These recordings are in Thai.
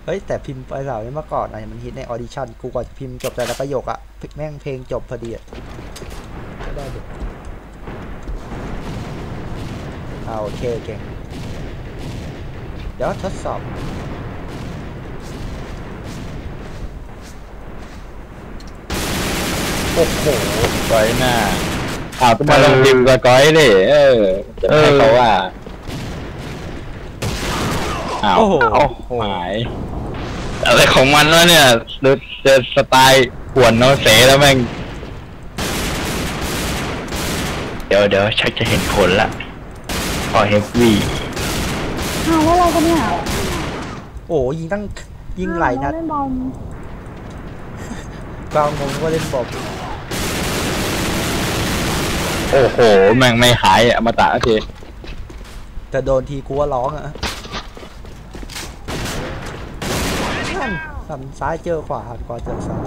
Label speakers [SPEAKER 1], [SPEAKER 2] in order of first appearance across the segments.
[SPEAKER 1] เฮ้ยแต่พิมพ์ไปเหล่านี้เมื่อก่อนนะมันฮิตในออดิชั่นกูกว่าพิมพ์จบแต่ละประโยคอะแม่งเพลงจบพอดีอะก็ได้ดิโอเคเก่งเดี๋ยวทดสอบโอ้โห
[SPEAKER 2] ก้อยหน้าต้องมาลงพิมพ์กับก้อยดิจะให้เขาว่า
[SPEAKER 1] โอ้โห
[SPEAKER 2] หายอะไรของมันวะเนี่ยเจอสไตล์ขวนโนเสแล้วแม่งเดี๋ยวชักจะเห็นผลละพอเฮฟวี่
[SPEAKER 3] ว่าอะไรกันเนี่ย
[SPEAKER 1] โอ้ยิงไหลนัด
[SPEAKER 3] เล่นบอล
[SPEAKER 1] กลางงงว่าเล่นบอล
[SPEAKER 2] โอ้โหแม่งไม่หายอมตะที
[SPEAKER 1] แต่โดนทีกูว่าร้องอะสั่นซ้ายเจอขวาเจอซ้าย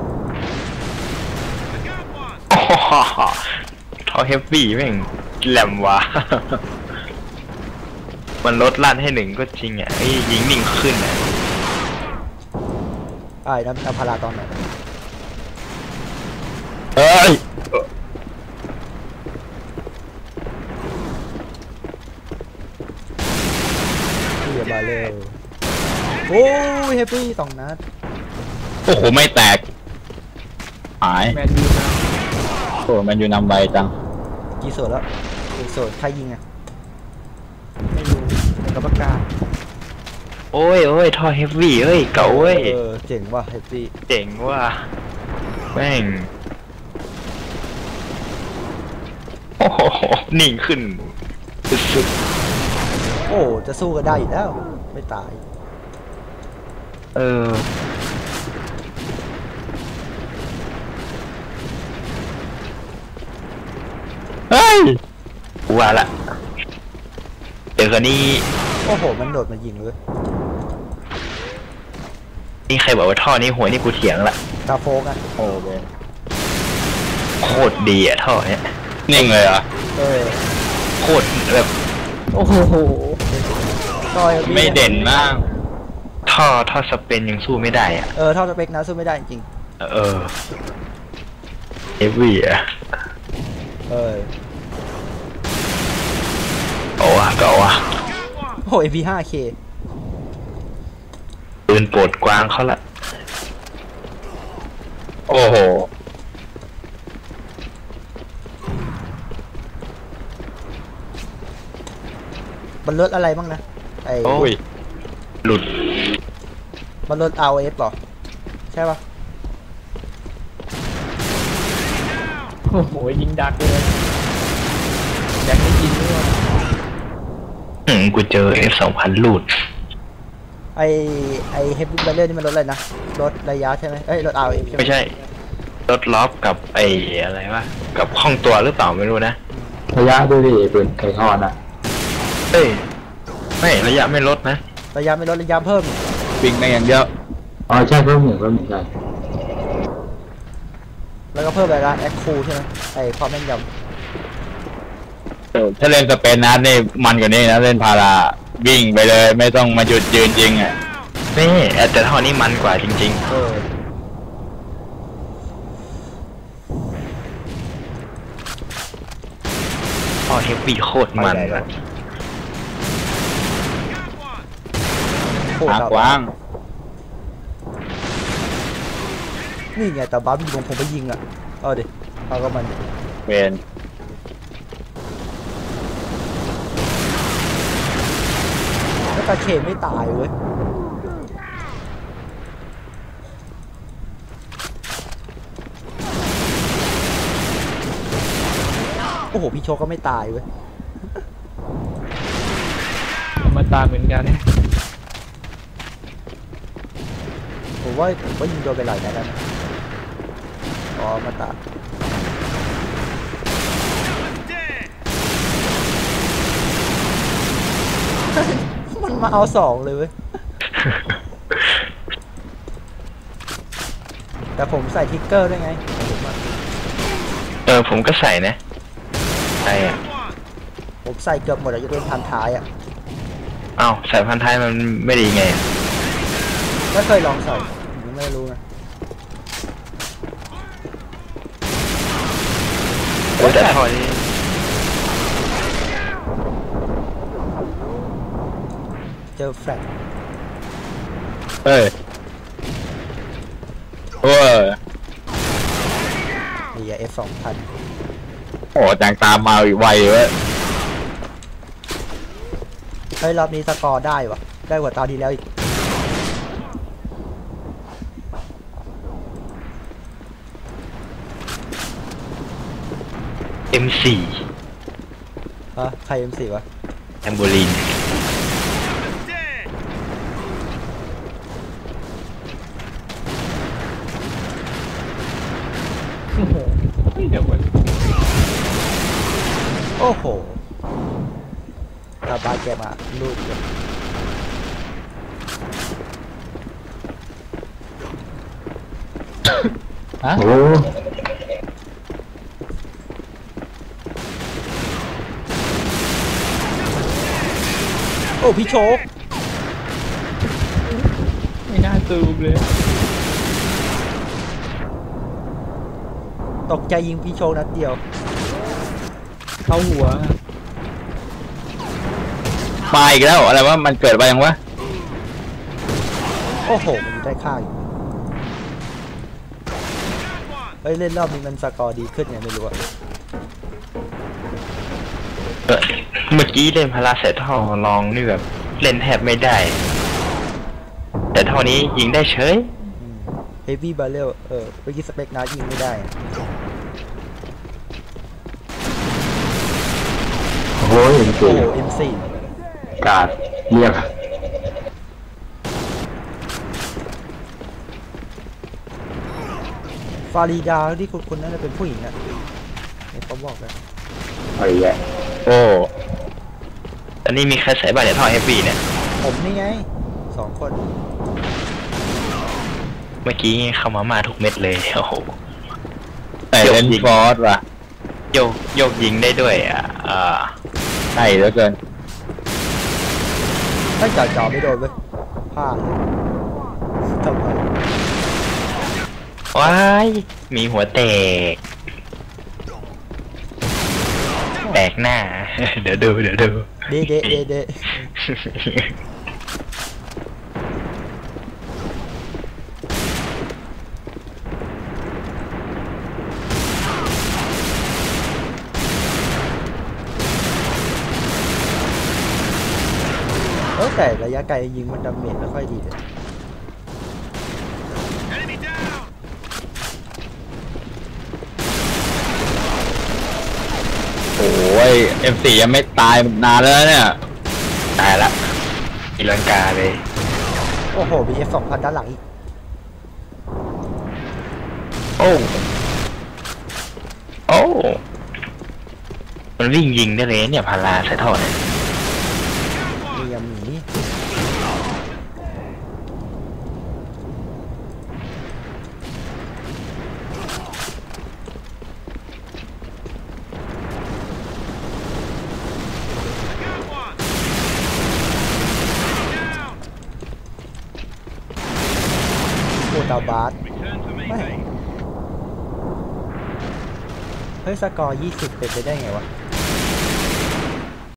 [SPEAKER 2] ทอเฮฟวี่แม่งแหลมวะมันลดลั่นให้หนึ่งก็จริงอ่ะยิงนิ่งขึ้นอ่ะ
[SPEAKER 1] น้ำพาราตอนไหน
[SPEAKER 2] เฮ้ย
[SPEAKER 1] เดี๋ยวมาเร็วโอ้ยเฮฟวี่2 นัด
[SPEAKER 2] โอ้โหไม่แตกหาย
[SPEAKER 1] แมนยูนะ
[SPEAKER 2] โอ้แมนยูนำไวจัง
[SPEAKER 1] กี่ส่วนแล้วส่วนใครยิงอ่ะไม่รู้แต่กรรมการ
[SPEAKER 2] โอ้ยท่อเฮฟวี่เฮ้ยเก่าเว้ย
[SPEAKER 1] เจ๋งว่ะเฮฟวี่
[SPEAKER 2] เจ๋งว่ะแม่งโอ้โหนิ่งขึ้นสุด
[SPEAKER 1] โอ้จะสู้กันได้อยู่แล้วไม่ตาย
[SPEAKER 2] เฮ้ยว่าละเดี๋ยวคนนี้
[SPEAKER 1] โอ้โหมันโดดมายิงเลย
[SPEAKER 2] นี่ใครบอกว่าท่อนี้หัวนี่กูเถียงละ
[SPEAKER 1] ตาโฟกอ่ะ
[SPEAKER 2] โอ้เบนโคตรดีอ่ะท่อเนี้ยนิ่งเลยอ่ะโคตรแบบ
[SPEAKER 1] โอ้โห
[SPEAKER 2] ไม่เด่นมากท่อสเปนยังสู้ไม่ได้อ่ะ
[SPEAKER 1] ท่อสเปกนะสู้ไม่ได้จริง
[SPEAKER 2] เอฟวีอ่ะเก่าอ่ะ
[SPEAKER 1] โอ้MP5K
[SPEAKER 2] ปืนโปรดกวางเขาละโอ้โห
[SPEAKER 1] มันลดอะไรบ้างนะ
[SPEAKER 2] โอ้ยหลุด
[SPEAKER 1] มันลด RF หรอใช่ปะโอ้โหยิงดักเลยอยากให้ยิงด้วย
[SPEAKER 2] กูเจอ F2000 หลุด
[SPEAKER 1] ไอเฮฟวี่บัลเลอร์นี่มันลดอะไรนะลดระยะใช่ไหมลด RF ใช่ไหม
[SPEAKER 2] ไม่ใช่ลดล็อกกับอะไรวะกับห้องตัวหรือเปล่าไม่รู้นะ
[SPEAKER 4] ระยะด้วยดิปืนไข่ทอดอ่ะ
[SPEAKER 2] ไม่ระยะไม่ลดนะ
[SPEAKER 1] ระยะไม่ลดระยะเพิ่ม
[SPEAKER 2] วิ่งได้อย่างเดียว
[SPEAKER 4] ใช่เพิ่มหนึ่งใช่
[SPEAKER 1] แล้วก็เพิ่มอะไรนะแอคคูใช่ไหมความแม่นยำ
[SPEAKER 2] ถ้าเล่นสเปนนัดนี่มันกว่านี้นะเล่นพาราวิ่งไปเลยไม่ต้องมาหยุดยืนจริงอ่ะนี่แต่ท่อนี้มันกว่าจริงๆท่อเฮฟวี่โคตรมันอะกว้าง
[SPEAKER 1] นี่ไงแต่บ้าบินผมไปยิงอ่ะดิเอาก็มัน
[SPEAKER 2] เวน
[SPEAKER 1] แล้วตาเขมไม่ตายเว้ยโอ้โหพี่โชก็ไม่ตายเว้ย
[SPEAKER 4] มาตายเหมือนกัน
[SPEAKER 1] ผมว่ายิงโดนไปหลายนัดแล้วนะมาตามันมาเอา2เลยเว้ยแต่ผมใส่ทิกเกอร์ได้ไง
[SPEAKER 2] ผมก็ใส่นะใส่
[SPEAKER 1] ผมใส่เกือบหมดยกเว้นพันท้ายอ่ะ
[SPEAKER 2] ใส่พันท้ายมันไม่ดีไง
[SPEAKER 1] กไม่เคยลองใส่ผมไม่รู้นะ
[SPEAKER 2] โอ้แต่ท่อนี้
[SPEAKER 1] เจอแฟลช
[SPEAKER 2] เอ้ยโอ้ย
[SPEAKER 1] มี F2000
[SPEAKER 2] โอ้จังตามมาอีกไวเว้ย
[SPEAKER 1] เฮ้ยรอบนี้สกอร์ได้วะได้กว่าตาที่แล้วอีก
[SPEAKER 2] M4
[SPEAKER 1] ฮะใคร M4 วะ
[SPEAKER 2] แอมโบลิน
[SPEAKER 4] โอ้โหเดี๋ยวมัน
[SPEAKER 1] โอ้โหตาบาแกมาลูดเลย
[SPEAKER 4] ฮะ
[SPEAKER 3] โอ้
[SPEAKER 1] โอ้พี่โชค
[SPEAKER 4] ไม่น่าซูมเลย
[SPEAKER 1] ตกใจยิงพี่โชคนัดเดียว
[SPEAKER 4] เข้าหัว
[SPEAKER 2] มาอีกแล้วอะไรวะมันเกิดไปยังวะ
[SPEAKER 1] โอ้โหมันอยู่ได้ข้างอยู่เฮ้ยเล่นรอบนี้มันสกอร์ดีขึ้นไงไม่รู้อะ
[SPEAKER 2] เมื่อกี้เล่นพาราเซท่อลองนี่แบบเล่นแทบไม่ได้ แต่เท่านี้ยิงได้เฉย
[SPEAKER 1] เฮฟวี่บาเรลเมื่อกี้สเปกนายิงไม่ได้อะ
[SPEAKER 4] โอ้ยเอ็ม
[SPEAKER 1] โอ้
[SPEAKER 4] สี่
[SPEAKER 1] โห M4
[SPEAKER 4] กาดเรียก
[SPEAKER 1] ฟารีดาที่คุณนั่นเป็นผู้หญิงอะเนี่ยเขาบอกกัน
[SPEAKER 4] อะไรแย่
[SPEAKER 2] โอ้ตอนนี้มีใครใส่บ้านในท่อเฮฟวี่เนี่ย
[SPEAKER 1] ผมนี่ไง2 คน
[SPEAKER 2] เมื่อกี้เข้ามาทุกเม็ดเลยโอ้โห
[SPEAKER 5] แต่เล่นฟอร์สว่ะ
[SPEAKER 2] โยกยิงได้ด้วย
[SPEAKER 5] ใช่เหลือเกิน
[SPEAKER 1] ไม่จ่อไม่โดนเว้ยพลาดเลยทำไม
[SPEAKER 2] ว้ายมีหัวแตกหน้า เดี๋ยวดู
[SPEAKER 1] เดเดแต่ระยะไกลยิงมันดาเมจไม่ค่อยดีเลย
[SPEAKER 5] โอ้ย M4 ยังไม่ตายนานแล้วเนี่ย
[SPEAKER 2] ตายละอีลังกาเลย
[SPEAKER 1] โอ้โหมี F2000 ด้านหลังอีก
[SPEAKER 2] โอ้มันวิ่งยิงได้เลยเนี่ยพาราใส่ท่อเนี่ย
[SPEAKER 1] มียาหมีโอตาบาสไม่เฮ้ยสกอร์20เป็นไปได้ไงวะ